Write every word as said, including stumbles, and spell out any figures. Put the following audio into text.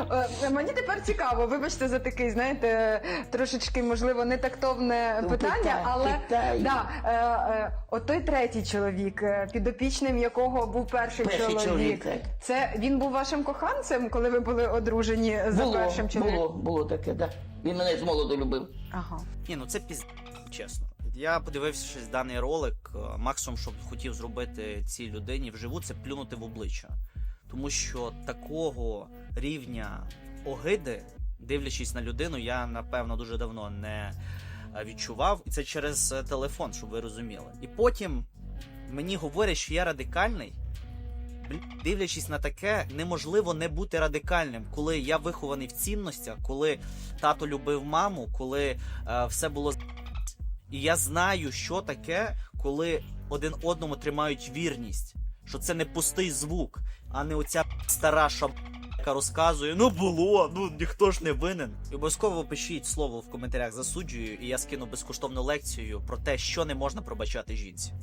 Е, Мені тепер цікаво, вибачте за такий, знаєте, трошечки, можливо, нетактовне Ну, питання, питай, але питай. да, е, е, от той третій чоловік, е, підопічним якого був перший, Перший чоловік, чоловік, так. це він був вашим коханцем, коли ви були одружені за Було, першим чоловіком? було, було таке, да. Він мене з молоду любив. Ага. Ні, ну це піз... чесно. Я подивився щось даний ролик. е, Максимум, що б хотів зробити цій людині вживу, це плюнути в обличчя. Тому що такого рівня огиди, дивлячись на людину, я, напевно, дуже давно не е, відчував. І це через е, телефон, щоб ви розуміли. І потім мені говорять, що я радикальний. Блін, дивлячись на таке, неможливо не бути радикальним, коли я вихований в цінностях, коли тато любив маму, коли е, все було з***. І я знаю, що таке, коли один одному тримають вірність, що це не пустий звук, а не оця стара шаб, яка розказує, ну було, ну ніхто ж не винен. І обов'язково пишіть слово в коментарях, засуджую, і я скину безкоштовну лекцію про те, що не можна пробачати жінці.